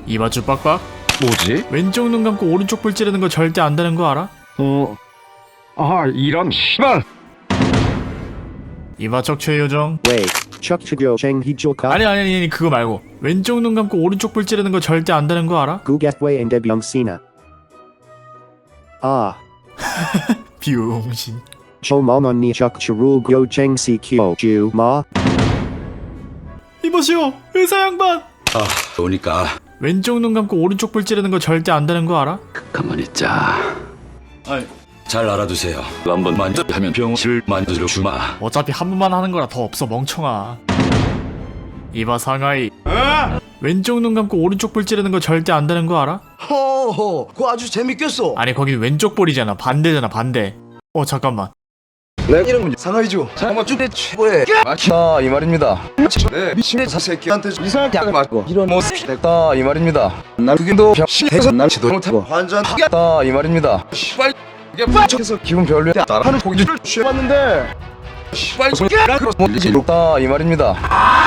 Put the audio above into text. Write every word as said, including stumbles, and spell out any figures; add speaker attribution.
Speaker 1: 이봐 쭈빡빡.
Speaker 2: 뭐지?
Speaker 1: 왼쪽 눈 감고 오른쪽 볼 찌르는 거 절대 안 되는 거 알아?
Speaker 2: 어... 아 이런 씨발.
Speaker 1: 이봐 척추의 요정.
Speaker 3: Wait, 척추교 쟁희조카
Speaker 1: 아니 아니 아니 그거 말고 왼쪽 눈 감고 오른쪽 볼 찌르는 거 절대 안 되는 거 알아?
Speaker 3: 구get웨 엔데병시나 아
Speaker 1: 비용신.
Speaker 3: 조먼언니 척추루교 쟁시키오 주마
Speaker 1: 이보시오 의사 양반.
Speaker 4: 아, 오니까
Speaker 1: 왼쪽 눈 감고 오른쪽 볼 찌르는 거 절대 안 되는 거 알아?
Speaker 4: 가만히 있자.
Speaker 1: 아이,
Speaker 4: 잘 알아두세요. 한번 만져하면 병실 만들어 주마.
Speaker 1: 어차피 한 번만 하는 거라 더 없어 멍청아. 이봐 상하이. 왼쪽 눈 감고 오른쪽 볼 찌르는 거 절대 안 되는 거 알아?
Speaker 5: 허허, 그거 아주 재밌겠어.
Speaker 1: 아니 거긴 왼쪽 볼이잖아. 반대잖아 반대. 어 잠깐만.
Speaker 5: 내 이름은 상하이죠. 한번 쭉내 최고의
Speaker 6: 맞다 이 말입니다.
Speaker 5: 네 미친의 사새끼한테
Speaker 6: 이상하게 맞고 이런 모습 됐다 이 말입니다. 난 그게도 병신해서 난 지도 못하고
Speaker 5: 완전
Speaker 6: 하겠다 이 말입니다.
Speaker 5: 씨발 이게
Speaker 6: 척해서 기분 별로야 따라하는 고기를
Speaker 5: 취해봤는데
Speaker 6: 씨발 손가락으로 몰리지 못다 이 말입니다.